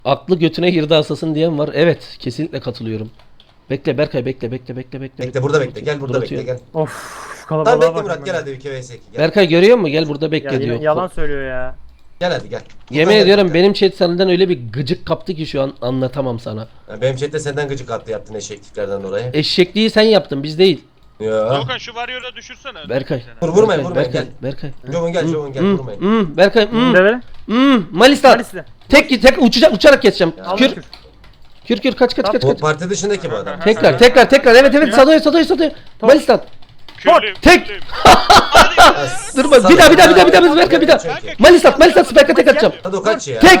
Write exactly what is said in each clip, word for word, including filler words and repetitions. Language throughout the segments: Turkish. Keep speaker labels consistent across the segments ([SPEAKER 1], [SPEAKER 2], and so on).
[SPEAKER 1] Aklı götüne girdi asasın diyen var. Evet, kesinlikle katılıyorum. Bekle Berkay, bekle bekle bekle bekle.
[SPEAKER 2] Bekle burada bekle. Gel burada
[SPEAKER 1] Dur
[SPEAKER 2] bekle
[SPEAKER 1] atıyorum.
[SPEAKER 2] gel.
[SPEAKER 3] Of şu
[SPEAKER 2] Tamam
[SPEAKER 3] kalabalığa
[SPEAKER 2] bekle
[SPEAKER 3] bak.
[SPEAKER 2] Murat
[SPEAKER 3] hemen
[SPEAKER 2] gel
[SPEAKER 3] ya.
[SPEAKER 2] hadi iki vs iki gel.
[SPEAKER 1] Berkay görüyor musun? Gel burada bekle
[SPEAKER 3] Ya yine
[SPEAKER 1] diyor.
[SPEAKER 3] yalan söylüyor ya.
[SPEAKER 2] Gel hadi gel.
[SPEAKER 1] Yemin
[SPEAKER 2] Gel,
[SPEAKER 1] ediyorum
[SPEAKER 2] gel.
[SPEAKER 1] benim chat senden öyle bir gıcık kaptı ki şu an anlatamam sana.
[SPEAKER 2] Ya benim chatte senden gıcık attı yaptın eşekliklerden dolayı.
[SPEAKER 1] Eşekliği sen yaptın, biz değil.
[SPEAKER 2] Ya.
[SPEAKER 4] Doğukan şu varyola düşürsene.
[SPEAKER 1] Berkay.
[SPEAKER 2] Vur vurmayın
[SPEAKER 1] Berkay,
[SPEAKER 2] vurmayın
[SPEAKER 1] Berkay,
[SPEAKER 2] gel.
[SPEAKER 1] Berkay.
[SPEAKER 2] Jovun gel Jovun gel
[SPEAKER 1] Hmm,
[SPEAKER 2] vurmayın.
[SPEAKER 1] hmm, Berkay, hmm,
[SPEAKER 3] Ne böyle?
[SPEAKER 1] hmm, Malista.
[SPEAKER 3] Malis'le.
[SPEAKER 1] Tek tek uçacak uçarak geçeceğim.
[SPEAKER 2] Ya.
[SPEAKER 1] Kür, kür kür kaç kaç kaç
[SPEAKER 2] Bu
[SPEAKER 1] kaç.
[SPEAKER 2] parti dışındaki bu adam.
[SPEAKER 1] Tekrar tekrar tekrar evet evet Sado'ya Sado'ya Sado'ya. Malista.
[SPEAKER 4] Körlüyüm,
[SPEAKER 1] Tek.
[SPEAKER 4] körlüyüm.
[SPEAKER 2] Ya,
[SPEAKER 1] Durma,
[SPEAKER 2] sana-
[SPEAKER 1] bir daha, bir daha, bir daha, bir daha, Berkay, bir daha.
[SPEAKER 2] Çünkü.
[SPEAKER 1] Malista Malista Spike'a tek atacağım.
[SPEAKER 2] Hadi o kaç ya.
[SPEAKER 1] Tek.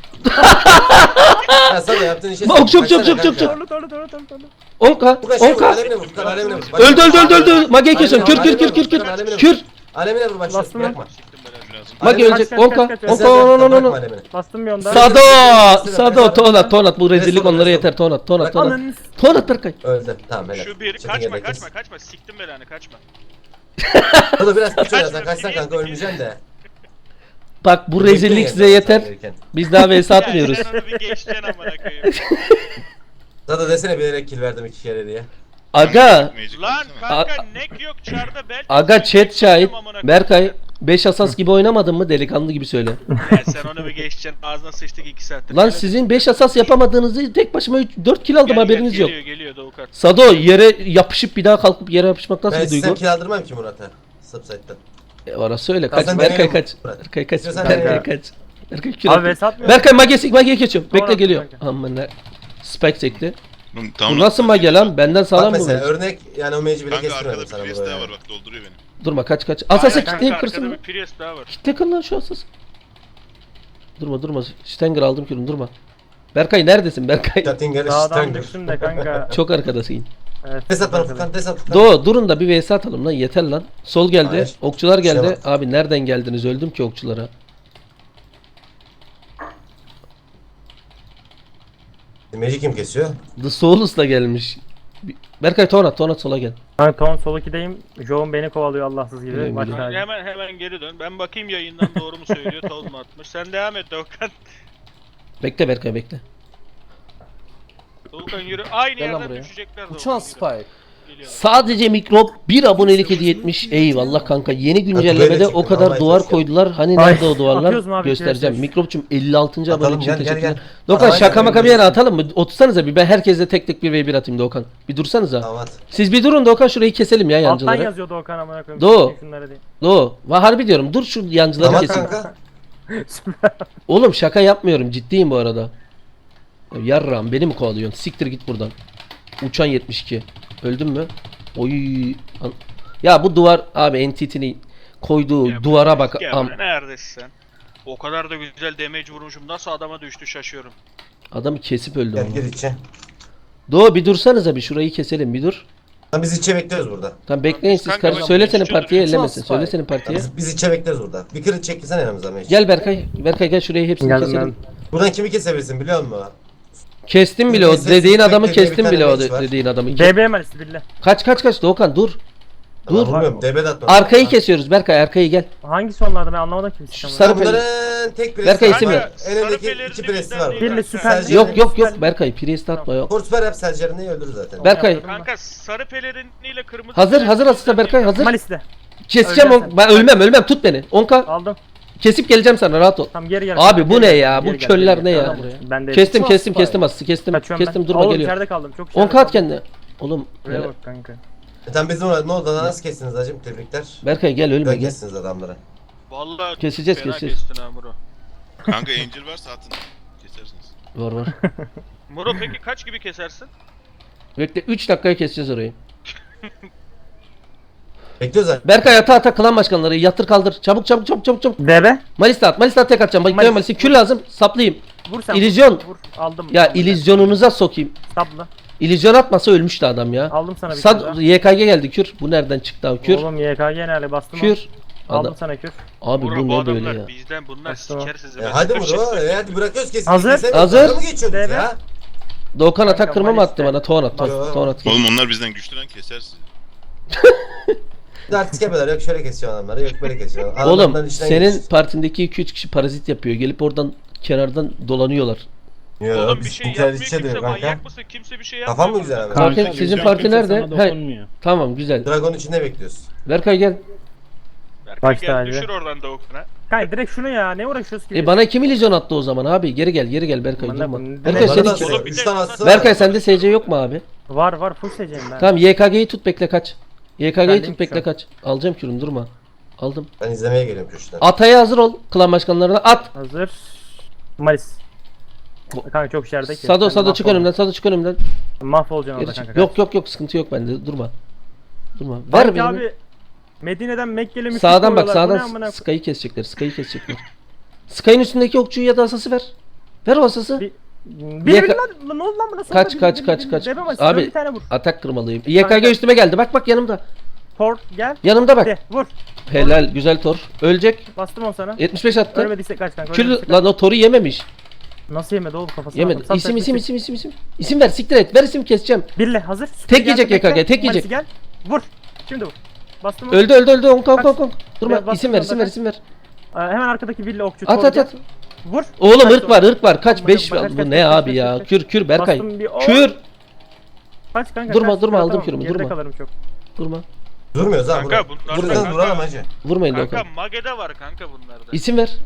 [SPEAKER 2] Ya sana yaptığın işe.
[SPEAKER 1] Çok, çok, çok,
[SPEAKER 2] Kaçsana
[SPEAKER 1] çok, çok,
[SPEAKER 2] kanka.
[SPEAKER 3] Torlu torlu torlu torlu torlu.
[SPEAKER 1] on k
[SPEAKER 2] Bu kaç
[SPEAKER 1] on
[SPEAKER 2] şey vur,
[SPEAKER 1] k.
[SPEAKER 2] alemine vur, Furkan, alemine vur. Bak-
[SPEAKER 1] Öldü öldü öldü öldü. Mage'yi
[SPEAKER 2] Alemine
[SPEAKER 1] kesiyorum.
[SPEAKER 2] vur,
[SPEAKER 1] Kür kür
[SPEAKER 2] alemine
[SPEAKER 1] kür
[SPEAKER 2] vur,
[SPEAKER 1] kür kür.
[SPEAKER 2] Furkan, alemine vur.
[SPEAKER 1] Kür.
[SPEAKER 2] Alemine vur bak şimdi
[SPEAKER 3] Bastım
[SPEAKER 2] bırakma.
[SPEAKER 4] Siktim ben lazım.
[SPEAKER 1] Mage
[SPEAKER 2] Alemine
[SPEAKER 1] ölecek.
[SPEAKER 3] kaç,
[SPEAKER 1] on
[SPEAKER 3] kaç,
[SPEAKER 1] k
[SPEAKER 3] kaç, kaç.
[SPEAKER 1] on k
[SPEAKER 2] Mesela
[SPEAKER 1] on on
[SPEAKER 2] bırakma
[SPEAKER 1] on.
[SPEAKER 2] alemine.
[SPEAKER 3] Bastım bir onda.
[SPEAKER 1] Sado. Sado tonat tonat bu rezillik
[SPEAKER 2] Resmen,
[SPEAKER 1] onlara
[SPEAKER 2] resmen.
[SPEAKER 1] yeter tonat tonat tonat.
[SPEAKER 3] Ananı s-
[SPEAKER 1] Tonat Berkay.
[SPEAKER 2] Öldü. Tamam helal.
[SPEAKER 4] Şu bir
[SPEAKER 2] Çekin
[SPEAKER 4] kaçma
[SPEAKER 2] yedek
[SPEAKER 4] kaçma
[SPEAKER 2] kes.
[SPEAKER 4] kaçma siktim belanı kaçma.
[SPEAKER 2] Hadi biraz kaç
[SPEAKER 4] Kaçma,
[SPEAKER 2] sen kaçsan kanka ölmeyeceksin de.
[SPEAKER 1] Bak bu rezillik
[SPEAKER 2] Bekleyin
[SPEAKER 1] size
[SPEAKER 2] yani
[SPEAKER 1] yeter.
[SPEAKER 2] sen gelirken.
[SPEAKER 1] Biz daha vs
[SPEAKER 4] Ya
[SPEAKER 1] atmıyoruz.
[SPEAKER 4] sen onu bir geçeceksin amına koyayım.
[SPEAKER 2] Zaten desene bilerek kill verdim iki kere diye.
[SPEAKER 1] Aga.
[SPEAKER 4] Lan kanka nek yok çarda belki.
[SPEAKER 1] Aga chat şahit.
[SPEAKER 4] Amına koyayım.
[SPEAKER 1] Berkay beş asas gibi oynamadın mı delikanlı gibi söyle.
[SPEAKER 4] Ya sen onu bir geçeceksin ağzına sıçtık iki saattir.
[SPEAKER 1] Lan
[SPEAKER 4] Gel,
[SPEAKER 1] sizin beş asas yapamadığınızı tek başıma dört kill aldım
[SPEAKER 4] gel,
[SPEAKER 1] haberiniz
[SPEAKER 4] gel,
[SPEAKER 1] yok.
[SPEAKER 4] Geliyor geliyor Doğukan.
[SPEAKER 1] Sado yere yapışıp bir daha kalkıp yere yapışmak nasıl
[SPEAKER 2] Ben
[SPEAKER 1] bir duygu?
[SPEAKER 2] sistem kill aldırmam ki Murat'a. Subsite'den.
[SPEAKER 1] E, orası öyle.
[SPEAKER 2] Ya
[SPEAKER 1] Kaç
[SPEAKER 2] sen
[SPEAKER 1] Berkay
[SPEAKER 2] benim-
[SPEAKER 1] kaç. Berkay kaç.
[SPEAKER 2] İstiyorsan
[SPEAKER 1] Berkay
[SPEAKER 3] benim-
[SPEAKER 1] kaç. Berkay kür
[SPEAKER 3] Abi
[SPEAKER 1] atıyor.
[SPEAKER 3] vs atmıyor.
[SPEAKER 1] Berkay magesi mageye geçiyorum. Bekle
[SPEAKER 3] Tamam,
[SPEAKER 1] geliyor.
[SPEAKER 3] kanka.
[SPEAKER 1] Aman ne. Spike çekti.
[SPEAKER 5] Oğlum,
[SPEAKER 1] Bu
[SPEAKER 5] tamam,
[SPEAKER 1] nasıl mage lan? Benden
[SPEAKER 2] Bak
[SPEAKER 1] sağlam mı
[SPEAKER 2] mesela
[SPEAKER 1] bu?
[SPEAKER 2] örnek yani o mage'i bile
[SPEAKER 5] Kanka
[SPEAKER 2] kestirmedim
[SPEAKER 5] arkada
[SPEAKER 2] sana
[SPEAKER 5] bir
[SPEAKER 2] buraya.
[SPEAKER 5] daha var bak dolduruyor beni.
[SPEAKER 1] Durma kaç kaç. Asası
[SPEAKER 4] Aynen kanka,
[SPEAKER 1] kitleyip
[SPEAKER 4] arkada
[SPEAKER 1] kırsın mı?
[SPEAKER 4] bir Priest daha var.
[SPEAKER 1] Kitle kır lan şu asası. Durma durma. Stenger aldım kürüm durma. Berkay neredesin Berkay?
[SPEAKER 2] Chattinger'ı
[SPEAKER 3] Dağdan
[SPEAKER 2] Stanger.
[SPEAKER 3] düştüm de kanka.
[SPEAKER 1] Çok arkadasın.
[SPEAKER 3] Evet.
[SPEAKER 2] Des at bana Furkan des at Furkan.
[SPEAKER 1] Doğu durun da bir vs atalım lan yeter lan. Sol geldi.
[SPEAKER 2] Hayır.
[SPEAKER 1] Okçular geldi.
[SPEAKER 2] Şey var.
[SPEAKER 1] Abi nereden geldiniz? Öldüm ki okçulara.
[SPEAKER 2] Magi kim kesiyor?
[SPEAKER 1] The Souls da gelmiş. Bir- Berkay Tonat Tonat sola gel.
[SPEAKER 3] Ben ton sol ikideyim. Joe'un beni kovalıyor Allahsız gibi.
[SPEAKER 1] Biliyorum,
[SPEAKER 3] Maç
[SPEAKER 1] biliyorum.
[SPEAKER 3] hali.
[SPEAKER 4] Hemen hemen geri dön. Ben bakayım yayından doğru mu söylüyor tavuk mu atmış. Sen devam et Doğukan.
[SPEAKER 1] Bekle Berkay bekle.
[SPEAKER 4] Doğukan yürü. Aynı
[SPEAKER 1] Gel lan
[SPEAKER 4] yerden
[SPEAKER 1] buraya.
[SPEAKER 4] düşecekler Doğukan.
[SPEAKER 6] Uçan
[SPEAKER 4] yürü.
[SPEAKER 6] Spike.
[SPEAKER 4] Geliyorlar.
[SPEAKER 1] Sadece mikrop bir abonelik hediye etmiş. Eyvallah kanka. Yeni güncellemede
[SPEAKER 2] böyle
[SPEAKER 1] o
[SPEAKER 2] çıktı,
[SPEAKER 1] kadar
[SPEAKER 2] vallahi
[SPEAKER 1] duvar
[SPEAKER 2] çok
[SPEAKER 1] koydular. Hani
[SPEAKER 3] Ay,
[SPEAKER 1] nerede o duvarlar?
[SPEAKER 3] atıyoruz mu abi?
[SPEAKER 1] Göstereceğim.
[SPEAKER 3] İki
[SPEAKER 1] Mikropçum elli altıncı
[SPEAKER 2] Atalım,
[SPEAKER 1] abone için
[SPEAKER 2] gel, gel,
[SPEAKER 1] teşekkürler.
[SPEAKER 2] gel.
[SPEAKER 1] Doğukan
[SPEAKER 2] Aynen,
[SPEAKER 1] şaka maka bir
[SPEAKER 2] aynen.
[SPEAKER 1] yere atalım mı? Otursanıza bir ben herkese tek tek bir ve bir atayım Doğukan. Bir dursanıza.
[SPEAKER 2] Tamam at.
[SPEAKER 1] Siz bir durun Doğukan şurayı keselim ya
[SPEAKER 3] Alttan
[SPEAKER 1] yancıları.
[SPEAKER 3] yazıyordu Okan amına koyayım.
[SPEAKER 1] Doğu.
[SPEAKER 3] Kesin Şunları diye.
[SPEAKER 1] Doğu. Va harbi diyorum dur şu yancıları
[SPEAKER 2] Tamam
[SPEAKER 1] kesin.
[SPEAKER 2] kanka.
[SPEAKER 1] Oğlum şaka yapmıyorum ciddiyim bu arada. Ya Yarram beni mi kovalıyorsun? Siktir git buradan. Uçan yetmiş iki. Öldün mü? Oy. An- Ya bu duvar abi entity'nin koyduğu
[SPEAKER 4] Ya
[SPEAKER 1] duvara bak.
[SPEAKER 4] Ya
[SPEAKER 1] Am-
[SPEAKER 4] buraya neredesin sen? O kadar da güzel damage vurmuşum. Nasıl adama düştü şaşıyorum.
[SPEAKER 1] Adamı kesip öldü
[SPEAKER 2] Gel
[SPEAKER 1] ama.
[SPEAKER 2] gir içe.
[SPEAKER 1] Doğu bir dursanıza bir şurayı keselim bir dur.
[SPEAKER 2] Lan biz içe bekliyoruz burada.
[SPEAKER 1] Tamam bekleyin siz
[SPEAKER 4] Kanka,
[SPEAKER 1] karşı.
[SPEAKER 4] ben
[SPEAKER 1] Söyle senin
[SPEAKER 4] konuşuyordum.
[SPEAKER 1] partiye
[SPEAKER 6] Uçan
[SPEAKER 1] ellemesin.
[SPEAKER 6] Spike.
[SPEAKER 1] Söyle senin
[SPEAKER 2] Lan
[SPEAKER 1] partiye.
[SPEAKER 2] Biz, biz içe bekliyoruz burada. Bir kırık çekilsene yanımıza Mage.
[SPEAKER 1] Gel Berkay. Berkay gel şurayı hepsini
[SPEAKER 3] Geldim
[SPEAKER 1] keselim.
[SPEAKER 2] Buradan kimi kesebilirsin biliyor musun?
[SPEAKER 1] Kestim bile o
[SPEAKER 2] Kesin,
[SPEAKER 1] dediğin
[SPEAKER 2] kesin,
[SPEAKER 1] adamı
[SPEAKER 2] bekle, bir
[SPEAKER 1] kestim
[SPEAKER 2] tane
[SPEAKER 1] bile o
[SPEAKER 2] mage var.
[SPEAKER 1] dediğin adamı.
[SPEAKER 3] B B Malis'i bille.
[SPEAKER 1] Kaç kaç kaç Doğukan dur.
[SPEAKER 2] Dur.
[SPEAKER 1] Dur.
[SPEAKER 2] Bilmiyorum. D B de atma.
[SPEAKER 1] Arkayı
[SPEAKER 2] Ha.
[SPEAKER 1] kesiyoruz Berkay arkayı gel.
[SPEAKER 3] Hangisi onlarda ben anlamadım ki.
[SPEAKER 1] Şu
[SPEAKER 3] sistemi.
[SPEAKER 1] sarı
[SPEAKER 2] Lan
[SPEAKER 1] peli-
[SPEAKER 2] Bunların tek presi
[SPEAKER 1] Berkay
[SPEAKER 2] var.
[SPEAKER 1] isim
[SPEAKER 2] Bak,
[SPEAKER 1] ver.
[SPEAKER 2] En öndeki
[SPEAKER 4] Sarı
[SPEAKER 2] iki
[SPEAKER 4] pelerini
[SPEAKER 2] presi
[SPEAKER 4] bizden
[SPEAKER 2] var.
[SPEAKER 4] değil
[SPEAKER 2] burada.
[SPEAKER 3] Birli
[SPEAKER 4] kanka.
[SPEAKER 3] süper.
[SPEAKER 2] Sercan-
[SPEAKER 1] Yok yok yok Berkay priest atma yok.
[SPEAKER 2] Force ver yap Sercan'ı öldürür zaten.
[SPEAKER 1] Berkay
[SPEAKER 4] Kanka sarı pelerinliyle kırmızı
[SPEAKER 1] hazır
[SPEAKER 4] pelerin
[SPEAKER 1] hazır asista Berkay hazır.
[SPEAKER 3] Malis'le.
[SPEAKER 1] Keseceğim
[SPEAKER 3] Öleceksin
[SPEAKER 1] on, ben ölmem ölmem tut beni. on k
[SPEAKER 3] Aldım.
[SPEAKER 1] kesip geleceğim sana rahat ol.
[SPEAKER 3] Tam geri gel.
[SPEAKER 1] Abi
[SPEAKER 3] Geri
[SPEAKER 1] bu
[SPEAKER 3] gel,
[SPEAKER 1] ne ya?
[SPEAKER 3] geri
[SPEAKER 1] Bu
[SPEAKER 3] gel,
[SPEAKER 1] köller
[SPEAKER 3] geri
[SPEAKER 1] ne
[SPEAKER 3] gel.
[SPEAKER 1] ya?
[SPEAKER 3] Tamam, Ben de
[SPEAKER 1] Kestim
[SPEAKER 6] Uçan
[SPEAKER 1] kestim
[SPEAKER 6] Spike.
[SPEAKER 1] kestim asısı kestim.
[SPEAKER 3] Kaçıyorum
[SPEAKER 1] Kestim
[SPEAKER 3] ben.
[SPEAKER 1] durma
[SPEAKER 3] Oğlum,
[SPEAKER 1] geliyor.
[SPEAKER 3] içeride kaldım. Çok
[SPEAKER 1] on
[SPEAKER 3] içeride
[SPEAKER 1] k at
[SPEAKER 3] kaldım.
[SPEAKER 1] kendine. Oğlum
[SPEAKER 3] Buraya
[SPEAKER 1] hele-
[SPEAKER 3] bak kanka.
[SPEAKER 2] Zaten bizim orada ne oldu lan nasıl kestiniz hacım tebrikler.
[SPEAKER 1] Berkay gel ölme
[SPEAKER 2] Böyle
[SPEAKER 1] gel.
[SPEAKER 2] kestiniz adamları.
[SPEAKER 4] Vallahi
[SPEAKER 1] Keseceğiz,
[SPEAKER 4] fena
[SPEAKER 1] keseceğiz.
[SPEAKER 4] kestin ha Muro.
[SPEAKER 5] Kanka Angel varsa atın. Kesersiniz.
[SPEAKER 1] Var var.
[SPEAKER 4] Muro peki kaç gibi kesersin?
[SPEAKER 1] Bekle üç dakikaya keseceğiz orayı.
[SPEAKER 2] Bekliyoruz zaten.
[SPEAKER 1] Berkay ata ata klan başkanları yatır kaldır. Çabuk çabuk çabuk çabuk çabuk.
[SPEAKER 3] D B.
[SPEAKER 1] Malista at. Malista at tek atacağım. Bak
[SPEAKER 3] Malis.
[SPEAKER 1] Malista kül lazım. Saplayayım.
[SPEAKER 3] Vur sen.
[SPEAKER 1] İllüzyon.
[SPEAKER 3] Vur. Aldım.
[SPEAKER 1] Ya
[SPEAKER 3] Aldım.
[SPEAKER 1] illüzyonunuza sokayım.
[SPEAKER 3] Sabla.
[SPEAKER 1] İllüzyon atmasa ölmüştü adam ya.
[SPEAKER 3] Aldım sana bir
[SPEAKER 1] Sad
[SPEAKER 3] tane daha.
[SPEAKER 1] Y K G geldi kür. Bu nereden çıktı abi kür?
[SPEAKER 3] Oğlum Y K G nerede bastım
[SPEAKER 1] Kür.
[SPEAKER 3] Aldım
[SPEAKER 1] Adam.
[SPEAKER 3] sana kür.
[SPEAKER 1] Abi
[SPEAKER 4] Muro
[SPEAKER 1] bu
[SPEAKER 4] bu
[SPEAKER 1] ne böyle
[SPEAKER 4] adamlar
[SPEAKER 1] ya?
[SPEAKER 4] bizden bunlar
[SPEAKER 3] Bastım.
[SPEAKER 4] siker sizi.
[SPEAKER 2] E,
[SPEAKER 4] Ben
[SPEAKER 2] hadi
[SPEAKER 4] size bir şey
[SPEAKER 2] Muro
[SPEAKER 4] söyleyeyim.
[SPEAKER 2] e, hadi bırakıyoruz kesin.
[SPEAKER 3] Hazır.
[SPEAKER 2] Kesemiyoruz.
[SPEAKER 1] Hazır.
[SPEAKER 2] Dalga mı geçiyorduk
[SPEAKER 3] D B.
[SPEAKER 2] ya?
[SPEAKER 1] Doğukan atak
[SPEAKER 3] Kanka,
[SPEAKER 1] kırma mı
[SPEAKER 3] Malista.
[SPEAKER 1] attı bana? Ton at
[SPEAKER 2] Yo.
[SPEAKER 1] ton. Ton at.
[SPEAKER 5] Oğlum onlar bizden güçlü lan keser sizi.
[SPEAKER 2] Bir de artist yapıyorlar yok şöyle kesiyor adamları yok böyle kesiyor. Adamların
[SPEAKER 1] Oğlum
[SPEAKER 2] içinden
[SPEAKER 1] senin
[SPEAKER 2] geçiyoruz.
[SPEAKER 1] partindeki iki üç kişi parazit yapıyor. Gelip oradan kenardan dolanıyorlar.
[SPEAKER 2] Yo,
[SPEAKER 4] Oğlum bir
[SPEAKER 2] biz
[SPEAKER 4] şey
[SPEAKER 2] internet
[SPEAKER 4] yapmıyor
[SPEAKER 2] içe
[SPEAKER 4] kimse,
[SPEAKER 2] diyor kanka.
[SPEAKER 4] manyak mısın? Kimse bir şey yapmıyor.
[SPEAKER 2] Kafan mı güzel abi?
[SPEAKER 1] Kanka,
[SPEAKER 6] Kanka,
[SPEAKER 1] sizin
[SPEAKER 6] güzel,
[SPEAKER 1] parti
[SPEAKER 6] kimse
[SPEAKER 1] nerede?
[SPEAKER 6] sana
[SPEAKER 1] He.
[SPEAKER 6] dokunmuyor.
[SPEAKER 1] Tamam güzel.
[SPEAKER 2] Dragon içinde bekliyoruz.
[SPEAKER 1] Berkay gel.
[SPEAKER 4] Berkay
[SPEAKER 3] Başta
[SPEAKER 4] gel
[SPEAKER 3] abi.
[SPEAKER 4] düşür oradan Doğukan'a.
[SPEAKER 3] Kanka direkt şunu ya ne uğraşıyoruz ki?
[SPEAKER 1] E bana kim illüzyon attı o zaman abi? Geri gel geri gel Berkay
[SPEAKER 3] Aman
[SPEAKER 1] durma.
[SPEAKER 3] Allah'ım,
[SPEAKER 1] Berkay
[SPEAKER 3] ne-
[SPEAKER 1] senin
[SPEAKER 2] Bana
[SPEAKER 1] ki.
[SPEAKER 2] da
[SPEAKER 4] Oğlum bir
[SPEAKER 2] üç
[SPEAKER 4] de-
[SPEAKER 2] tane aslı var.
[SPEAKER 1] Berkay sende S C yok mu abi?
[SPEAKER 3] Var var full seçeceğim ben.
[SPEAKER 1] Tamam Y K G'yi tut bekle kaç. Y K G'yi
[SPEAKER 3] Geldim
[SPEAKER 1] tut bekle
[SPEAKER 3] şu an.
[SPEAKER 1] kaç. Alacağım kürünü durma. Aldım.
[SPEAKER 2] Ben izlemeye geliyorum köşeden.
[SPEAKER 1] Ataya hazır ol. Klan başkanlarına at.
[SPEAKER 3] Hazır. Malis. Kanka çok içeride ki.
[SPEAKER 1] Sado
[SPEAKER 3] Sen
[SPEAKER 1] Sado çık
[SPEAKER 3] mahvol-
[SPEAKER 1] önümden. Sado çık önümden.
[SPEAKER 3] Mahvolacaksın
[SPEAKER 1] Geri
[SPEAKER 3] orada
[SPEAKER 1] çık.
[SPEAKER 3] kanka.
[SPEAKER 1] Yok yok yok sıkıntı yok bende. Durma. Durma. Ver
[SPEAKER 3] Ver
[SPEAKER 1] beni.
[SPEAKER 3] abi. Medine'den Mekke'li müşrik
[SPEAKER 1] Sağdan bak
[SPEAKER 3] oluyorlar. Bu ne
[SPEAKER 1] sağdan
[SPEAKER 3] amına-
[SPEAKER 1] Sky'ı kesecekler. Sky'ı kesecekler. Sky'ın üstündeki okçuyu ya da asası ver. Ver o asası.
[SPEAKER 3] Bir- Bir
[SPEAKER 1] Yaka-
[SPEAKER 3] bir lan lan ne oldu lan buna?
[SPEAKER 1] Kaç,
[SPEAKER 3] Sonra
[SPEAKER 1] kaç,
[SPEAKER 3] bir-
[SPEAKER 1] kaç,
[SPEAKER 3] bir-
[SPEAKER 1] kaç.
[SPEAKER 3] bir- bir-
[SPEAKER 1] Abi-
[SPEAKER 3] bir tane vur.
[SPEAKER 1] Atak kırmalıyım. Y K G
[SPEAKER 3] Kanka.
[SPEAKER 1] üstüme geldi. Bak bak yanımda.
[SPEAKER 3] Tor gel.
[SPEAKER 1] Yanımda bak.
[SPEAKER 3] De vur.
[SPEAKER 1] Helal güzel tor. Ölecek.
[SPEAKER 3] Bastım on sana.
[SPEAKER 1] yetmiş beş attı.
[SPEAKER 3] Ölmediyse kaç kanka.
[SPEAKER 1] Kül
[SPEAKER 3] ölmediyse kaç.
[SPEAKER 1] lan o toru yememiş.
[SPEAKER 3] Nasıl yemedi oğlum kafasına?
[SPEAKER 1] Yemedi.
[SPEAKER 3] attım. Sat,
[SPEAKER 1] İsim
[SPEAKER 3] sat,
[SPEAKER 1] isim
[SPEAKER 3] sat.
[SPEAKER 1] isim isim isim. İsim ver siktir et. Ver isim keseceğim.
[SPEAKER 3] Birle hazır. Süper
[SPEAKER 1] Tek yiyecek
[SPEAKER 3] geldi,
[SPEAKER 1] Y K G,
[SPEAKER 3] bekle.
[SPEAKER 1] tek yiyecek.
[SPEAKER 3] Malisi gel. Vur. Şimdi vur. Bastım.
[SPEAKER 1] Öldü öldü öldü. On konk
[SPEAKER 3] Kaç.
[SPEAKER 1] konk konk. Durma.
[SPEAKER 3] Biraz
[SPEAKER 1] İsim ver
[SPEAKER 3] bastım
[SPEAKER 1] isim ver
[SPEAKER 3] zaten.
[SPEAKER 1] isim ver.
[SPEAKER 3] Ee, hemen arkadaki villa okçu.
[SPEAKER 1] At
[SPEAKER 3] Tor
[SPEAKER 1] at
[SPEAKER 3] gel.
[SPEAKER 1] at.
[SPEAKER 3] Vur.
[SPEAKER 1] Oğlum
[SPEAKER 3] Kaç
[SPEAKER 1] ırk var
[SPEAKER 3] tor?
[SPEAKER 1] ırk var. Kaç?
[SPEAKER 3] Kaç,
[SPEAKER 1] beş
[SPEAKER 3] kaç, kaç,
[SPEAKER 1] bu
[SPEAKER 3] kaç,
[SPEAKER 1] ne
[SPEAKER 3] kaç,
[SPEAKER 1] abi
[SPEAKER 3] kaç,
[SPEAKER 1] ya?
[SPEAKER 3] kaç.
[SPEAKER 1] Kür kür Berkay.
[SPEAKER 3] Bastım bir-
[SPEAKER 1] Kür.
[SPEAKER 3] Kaç kanka.
[SPEAKER 1] Durma,
[SPEAKER 3] kaç,
[SPEAKER 1] durma,
[SPEAKER 3] dur,
[SPEAKER 1] aldım
[SPEAKER 3] tamam.
[SPEAKER 1] kürümü,
[SPEAKER 3] Geride
[SPEAKER 1] durma.
[SPEAKER 3] kalırım çok.
[SPEAKER 1] Durma.
[SPEAKER 2] Durmuyoruz ha
[SPEAKER 4] Kanka
[SPEAKER 2] burada.
[SPEAKER 4] bunlar
[SPEAKER 2] Buradan
[SPEAKER 4] kanka-
[SPEAKER 2] duralım hacı.
[SPEAKER 1] Vurmayın
[SPEAKER 4] Kanka
[SPEAKER 1] Doğukan.
[SPEAKER 4] Mage'de var kanka bunlarda.
[SPEAKER 1] İsim ver.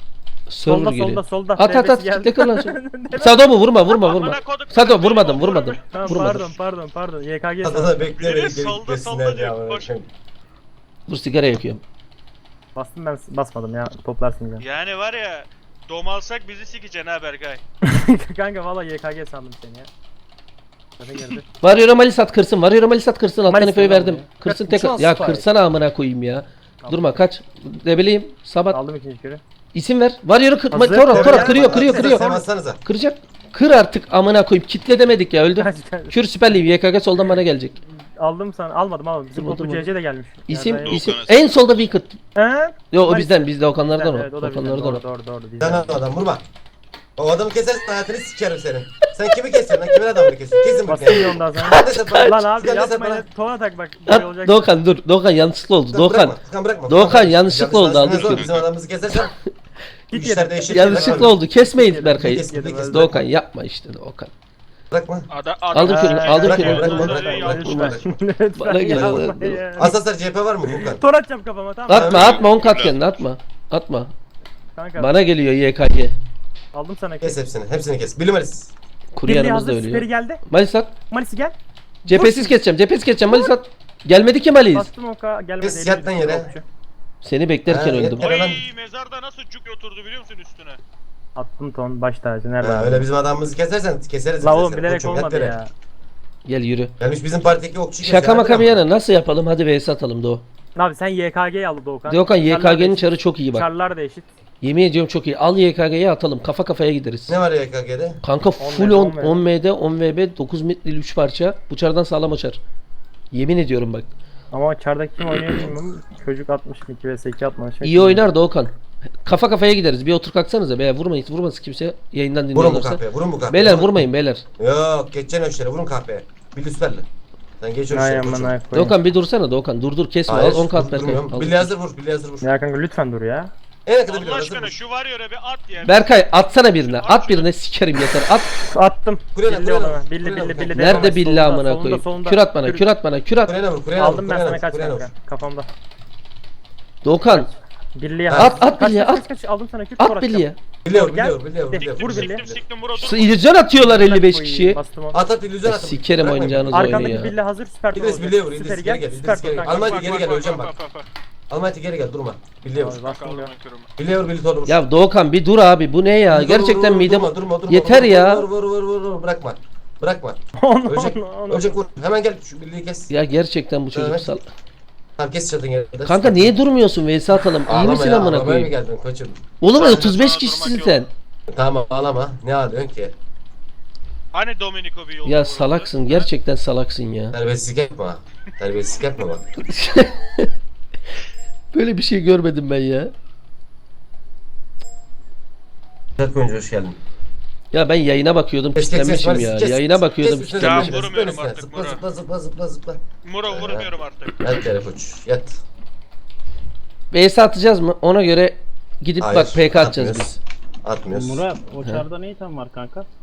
[SPEAKER 1] Server
[SPEAKER 3] Solda
[SPEAKER 1] geliyor.
[SPEAKER 3] solda solda.
[SPEAKER 1] At at at.
[SPEAKER 3] Devesi geldi.
[SPEAKER 1] Kitle kır lan şunu. Sado mu? Vurma vurma vurma.
[SPEAKER 4] Amına kodum.
[SPEAKER 1] Sado vurmadım vurmadım.
[SPEAKER 3] Tamam
[SPEAKER 1] Vurmadım.
[SPEAKER 3] pardon pardon pardon. Y K G
[SPEAKER 2] Hadi
[SPEAKER 3] sana.
[SPEAKER 2] da bekle
[SPEAKER 4] Biri
[SPEAKER 2] bekle.
[SPEAKER 4] solda,
[SPEAKER 2] beklesinler
[SPEAKER 4] solda
[SPEAKER 2] ya,
[SPEAKER 4] diyor,
[SPEAKER 2] amına
[SPEAKER 4] koş.
[SPEAKER 2] koyayım.
[SPEAKER 1] Dur sigara yakıyorum.
[SPEAKER 3] Bastım ben basmadım ya. Toplarsın ya.
[SPEAKER 4] Yani var ya dom alsak bizi sikeceksin ha Berkay.
[SPEAKER 3] Kanka valla Y K G sandım seni ya. Zaten geldi.
[SPEAKER 1] Varıyor Malis at kırsın. Varıyor Malis at kırsın. Alttan
[SPEAKER 3] Malis
[SPEAKER 1] efe'yi
[SPEAKER 3] mi lan
[SPEAKER 1] verdim.
[SPEAKER 3] bu ya?
[SPEAKER 1] Kırsın
[SPEAKER 3] Kaç-
[SPEAKER 1] tekrar.
[SPEAKER 3] uçan
[SPEAKER 1] Ya
[SPEAKER 3] spy.
[SPEAKER 1] kırsana amına koyayım ya. Durma kaç. Ne bileyim. Sabat.
[SPEAKER 3] Aldım ikinci kürü.
[SPEAKER 1] İsim ver. Varıyor kır.
[SPEAKER 3] Hazır.
[SPEAKER 1] Tora tora
[SPEAKER 3] Gel,
[SPEAKER 1] kırıyor
[SPEAKER 3] gel,
[SPEAKER 1] kırıyor
[SPEAKER 3] gel,
[SPEAKER 1] kırıyor.
[SPEAKER 2] Sen bassanıza.
[SPEAKER 1] Kıracak. Kır artık amına koyayım. Kitle demedik ya öldü.
[SPEAKER 3] Kaç, kaç.
[SPEAKER 1] Kür Süper Lig. Y K G soldan bana gelecek.
[SPEAKER 3] Aldım sana. Almadım almadım. Bizim
[SPEAKER 1] Durma,
[SPEAKER 3] topu
[SPEAKER 1] durma.
[SPEAKER 3] C C de gelmiş.
[SPEAKER 1] İsim
[SPEAKER 3] Yani-
[SPEAKER 1] isim.
[SPEAKER 5] Doğukan'a-
[SPEAKER 1] En solda Wicked.
[SPEAKER 3] He?
[SPEAKER 1] Yo o
[SPEAKER 3] Malis.
[SPEAKER 1] bizden bizde Okanlardan o.
[SPEAKER 3] Evet o da bizden.
[SPEAKER 1] Okanlardan
[SPEAKER 3] Doğru
[SPEAKER 1] o.
[SPEAKER 3] doğru doğru.
[SPEAKER 2] Sen
[SPEAKER 3] Bizden.
[SPEAKER 2] adam vurma. O adamı kesersin hayatını sikerim senin. Sen kimi kesiyorsun lan? Kimin adamını kesiyorsun? Kesin
[SPEAKER 3] Bastım bir
[SPEAKER 2] bakayım.
[SPEAKER 3] ondan sonra.
[SPEAKER 2] Hadi sen bana.
[SPEAKER 3] Lan abi
[SPEAKER 2] Sen de sen
[SPEAKER 3] yapma
[SPEAKER 2] bana.
[SPEAKER 3] ya. Tona tak bak. Böyle olacak.
[SPEAKER 1] At, Doğukan dur. Doğukan yanlışlıkla oldu.
[SPEAKER 2] Dur,
[SPEAKER 1] Doğukan.
[SPEAKER 2] bırakma, Furkan bırakma.
[SPEAKER 1] Doğukan,
[SPEAKER 2] Furkan,
[SPEAKER 1] yanlışlıkla
[SPEAKER 2] yanlış
[SPEAKER 1] oldu, aldım
[SPEAKER 2] anlaşılmaz.
[SPEAKER 1] şunu.
[SPEAKER 2] Bizim adamımızı kesersen
[SPEAKER 3] Git
[SPEAKER 2] işler
[SPEAKER 3] yedim.
[SPEAKER 2] değişir.
[SPEAKER 1] Yanlışlıkla oldu. Kesmeyin
[SPEAKER 3] Yedim,
[SPEAKER 1] Berkay'ı.
[SPEAKER 2] yedim,
[SPEAKER 3] yedim, öldü.
[SPEAKER 1] Doğukan yapma işte Doğukan.
[SPEAKER 2] Bırakma.
[SPEAKER 4] Ada,
[SPEAKER 1] Aldım
[SPEAKER 4] adam-
[SPEAKER 1] kürünü,
[SPEAKER 4] Ee,
[SPEAKER 1] aldım
[SPEAKER 4] bırakma,
[SPEAKER 1] kürünü,
[SPEAKER 4] bırakma,
[SPEAKER 1] bırakma,
[SPEAKER 4] bırakma,
[SPEAKER 2] bırakma,
[SPEAKER 4] bırakma.
[SPEAKER 2] bırakma.
[SPEAKER 3] Lütfen
[SPEAKER 1] Bana
[SPEAKER 3] yapma
[SPEAKER 1] gel.
[SPEAKER 3] ya.
[SPEAKER 2] Asaslar C H P var mı Furkan?
[SPEAKER 3] Tor atacağım kafama tamam.
[SPEAKER 1] Atma atma on kat kendini atma. Atma.
[SPEAKER 3] Kanka
[SPEAKER 1] Bana geliyor Y K G.
[SPEAKER 3] aldım sana.
[SPEAKER 2] Kes hepsini. Hepsini kes. Bilmeriz.
[SPEAKER 1] Kuru
[SPEAKER 3] Birliği
[SPEAKER 1] yanımızda
[SPEAKER 3] hazır. Süperi
[SPEAKER 1] ölüyor.
[SPEAKER 3] geldi.
[SPEAKER 1] Malis at.
[SPEAKER 3] Malisi gel.
[SPEAKER 1] Cephesiz keseceğim. Cephesiz keseceğim. Malis at. Gelmedi ki Malis.
[SPEAKER 3] Bastım oka gelmedi.
[SPEAKER 2] Kes,
[SPEAKER 3] elli
[SPEAKER 2] yat lan
[SPEAKER 3] bir
[SPEAKER 2] yere.
[SPEAKER 3] okçu.
[SPEAKER 1] Seni beklerken
[SPEAKER 2] Ha,
[SPEAKER 1] öldüm.
[SPEAKER 2] yeter.
[SPEAKER 4] Oy
[SPEAKER 2] Hemen-
[SPEAKER 4] mezarda nasıl cuk oturdu biliyor musun üstüne?
[SPEAKER 3] Attım ton baş tacı nerede?
[SPEAKER 2] Ha, öyle bizim adamımızı kesersen keseriz.
[SPEAKER 3] La
[SPEAKER 2] biz de
[SPEAKER 3] oğlum
[SPEAKER 2] seni.
[SPEAKER 3] bilerek
[SPEAKER 2] Koçum, yat
[SPEAKER 3] olmadı
[SPEAKER 2] yere.
[SPEAKER 3] ya.
[SPEAKER 1] Gel yürü.
[SPEAKER 2] Gelmiş bizim partideki okçu kesiyor.
[SPEAKER 1] Şaka maka
[SPEAKER 2] hadi
[SPEAKER 1] bir
[SPEAKER 2] lan.
[SPEAKER 1] yana nasıl yapalım? Hadi V S atalım Doğu.
[SPEAKER 3] Abi sen Y K G'yi al Doğukan.
[SPEAKER 1] Doğukan Y K
[SPEAKER 3] Çarlar da
[SPEAKER 1] G'nin
[SPEAKER 3] eşit.
[SPEAKER 1] çarı çok iyi bak.
[SPEAKER 3] Çarlar da eşit.
[SPEAKER 1] Yemin ediyorum çok iyi. Al Y K G'yi atalım. Kafa kafaya gideriz.
[SPEAKER 2] Ne var ya K G'de?
[SPEAKER 1] Kanka full
[SPEAKER 3] on
[SPEAKER 1] on,
[SPEAKER 3] M D.
[SPEAKER 1] on M D, on V B, dokuz metreli üç parça. Bu çardan sağlam açar. Yemin ediyorum bak.
[SPEAKER 3] Ama çardaki kim oynuyor bilmiyorum. Çocuk altmış iki ve sekiz atmış.
[SPEAKER 1] İyi oynar Doğukan. Kafa kafaya gideriz. Bir otur kalksanıza beyler. Vurmayın. Vurmasın kimse. Yayından
[SPEAKER 2] Vurun bu
[SPEAKER 1] dinliyorlarsa.
[SPEAKER 2] kahpeye. Vurun bu kahpeye.
[SPEAKER 1] Beyler vurmayın beyler.
[SPEAKER 2] Yok geçeceksin öşlere. Vurun kahpeye. Billy süperli. Sen geç
[SPEAKER 3] Ay
[SPEAKER 2] öşlere
[SPEAKER 3] aman
[SPEAKER 2] koçum.
[SPEAKER 3] ay koyayım.
[SPEAKER 1] Doğukan bir dursana Doğukan. Dur dur kesme.
[SPEAKER 2] Hayır.
[SPEAKER 1] Al on kat
[SPEAKER 2] dur-
[SPEAKER 1] Berkay.
[SPEAKER 2] durmuyorum.
[SPEAKER 1] Al.
[SPEAKER 2] Billy hazır vur. Billy hazır vur.
[SPEAKER 3] Ya kanka lütfen dur ya.
[SPEAKER 2] En yakında Billy
[SPEAKER 4] Allah
[SPEAKER 2] hazır
[SPEAKER 4] aşkına
[SPEAKER 2] vur.
[SPEAKER 4] şu var ya öyle bir at ya.
[SPEAKER 1] Berkay atsana birine. At birine sikerim yeter. At.
[SPEAKER 3] Attım.
[SPEAKER 2] Kulene,
[SPEAKER 3] Billi
[SPEAKER 2] kulene,
[SPEAKER 3] ona. Billi
[SPEAKER 2] kulene,
[SPEAKER 3] billi
[SPEAKER 2] kulene.
[SPEAKER 3] billi.
[SPEAKER 1] Nerede
[SPEAKER 3] Solunda,
[SPEAKER 1] billah amına
[SPEAKER 3] solunda,
[SPEAKER 1] koyayım.
[SPEAKER 3] solunda.
[SPEAKER 1] Kür at bana.
[SPEAKER 3] Kür-
[SPEAKER 1] Kür at bana. Kür at.
[SPEAKER 2] Kulene vur. Kulene vur.
[SPEAKER 3] Aldım ben
[SPEAKER 2] kulene
[SPEAKER 3] sana
[SPEAKER 2] vur,
[SPEAKER 3] kaç
[SPEAKER 2] kulene vur.
[SPEAKER 3] kanka. Kafamda.
[SPEAKER 1] Doğukan.
[SPEAKER 3] Billiye
[SPEAKER 2] At,
[SPEAKER 3] hazır.
[SPEAKER 1] at
[SPEAKER 3] Kaç,
[SPEAKER 1] Billi'ye,
[SPEAKER 3] kaç,
[SPEAKER 1] at.
[SPEAKER 3] kaç, kaç. Aldım sana kür. tor
[SPEAKER 1] At
[SPEAKER 3] atacağım.
[SPEAKER 1] Billy'ye.
[SPEAKER 2] Billy vur.
[SPEAKER 3] Gel.
[SPEAKER 2] Billy vur. Billy vur. Billy vur.
[SPEAKER 3] Vur
[SPEAKER 2] Billy
[SPEAKER 3] Billy.
[SPEAKER 2] vur.
[SPEAKER 4] Siktim siktim vur otur.
[SPEAKER 1] Su- İllüzyon atıyorlar elli beş kişi.
[SPEAKER 3] Bastım onu.
[SPEAKER 2] At at illüzyon at.
[SPEAKER 1] Sikerim
[SPEAKER 2] Bırakmayın.
[SPEAKER 1] oynayacağınız oyunu
[SPEAKER 3] Arkandaki
[SPEAKER 1] ya.
[SPEAKER 3] Billy hazır. Süper tor
[SPEAKER 2] İdris
[SPEAKER 3] olacak.
[SPEAKER 2] Billy'ye vur.
[SPEAKER 3] Süper
[SPEAKER 2] İdris
[SPEAKER 3] gel.
[SPEAKER 2] geri gel.
[SPEAKER 3] Süper
[SPEAKER 2] İdris
[SPEAKER 3] tor
[SPEAKER 2] geri gel.
[SPEAKER 3] kanka.
[SPEAKER 2] Almanya
[SPEAKER 4] Bak,
[SPEAKER 2] geri
[SPEAKER 4] bak,
[SPEAKER 2] gel.
[SPEAKER 4] bak,
[SPEAKER 2] Öleceğim
[SPEAKER 4] bak,
[SPEAKER 2] bak.
[SPEAKER 4] bak, bak, bak.
[SPEAKER 2] Almanya geri gel. Durma. Billy'ye vur.
[SPEAKER 3] Abi,
[SPEAKER 4] Bak
[SPEAKER 3] bastım
[SPEAKER 4] aldım
[SPEAKER 3] ya.
[SPEAKER 4] ben kırımı.
[SPEAKER 2] Billy'ye vur. Billy torlu vur.
[SPEAKER 1] Ya Doğukan bir dur abi. Bu ne ya?
[SPEAKER 2] Vur, vur,
[SPEAKER 1] Gerçekten
[SPEAKER 2] vur,
[SPEAKER 1] midem.
[SPEAKER 2] durma, durma, durma,
[SPEAKER 1] Yeter
[SPEAKER 2] vur,
[SPEAKER 1] ya.
[SPEAKER 2] Vur vur vur vur vur. Bırakma. Bırakma.
[SPEAKER 3] Onu,
[SPEAKER 2] Ölecek.
[SPEAKER 3] onu, onu.
[SPEAKER 2] Ölecek vur. Hemen gel. Şu Billy'yi kes.
[SPEAKER 1] Ya gerçekten bu çocuk
[SPEAKER 2] Evet.
[SPEAKER 1] sal.
[SPEAKER 2] Tamam kes çatın yerinde.
[SPEAKER 1] Kanka niye durmuyorsun? V S atalım. İyi
[SPEAKER 2] Ağlama
[SPEAKER 1] misin
[SPEAKER 2] ya.
[SPEAKER 1] amına
[SPEAKER 2] Ağlamaya mı
[SPEAKER 1] koyayım?
[SPEAKER 2] geldin koçum?
[SPEAKER 1] Oğlum
[SPEAKER 4] Sana-
[SPEAKER 1] otuz beş
[SPEAKER 4] sana
[SPEAKER 1] kişisin
[SPEAKER 4] durmak
[SPEAKER 1] sen.
[SPEAKER 4] yok.
[SPEAKER 2] Tamam ağlama. Ne ağlıyorsun ki?
[SPEAKER 4] Hani Domenico bir yol
[SPEAKER 1] Ya salaksın. Gerçekten salaksın ya.
[SPEAKER 2] Terbiyesizlik yapma. ha. Terbiyesizlik yapma bak.
[SPEAKER 1] Böyle bir şey görmedim ben ya.
[SPEAKER 2] Dört oyuncu hoş geldin.
[SPEAKER 1] Ya ben yayına bakıyordum.
[SPEAKER 2] Kes, kes, kes,
[SPEAKER 1] Kitlenmişim
[SPEAKER 2] Maris,
[SPEAKER 1] ya.
[SPEAKER 2] kes.
[SPEAKER 1] Yayına bakıyordum.
[SPEAKER 2] Kes üstüne,
[SPEAKER 1] Kitlenmişim.
[SPEAKER 4] Ya,
[SPEAKER 2] zıpla
[SPEAKER 4] vurmuyorum
[SPEAKER 2] üstüne,
[SPEAKER 4] artık,
[SPEAKER 2] Zıpla
[SPEAKER 4] Murat.
[SPEAKER 2] zıpla zıpla zıpla zıpla.
[SPEAKER 4] Muro vurmuyorum artık.
[SPEAKER 2] Yat yere koç. Yat.
[SPEAKER 1] V S atacağız mı? Ona göre gidip
[SPEAKER 2] Hayır,
[SPEAKER 1] bak P K atacağız
[SPEAKER 2] atmıyoruz.
[SPEAKER 1] biz.
[SPEAKER 2] Atmıyoruz.
[SPEAKER 6] Murat o çarda ne item var kanka?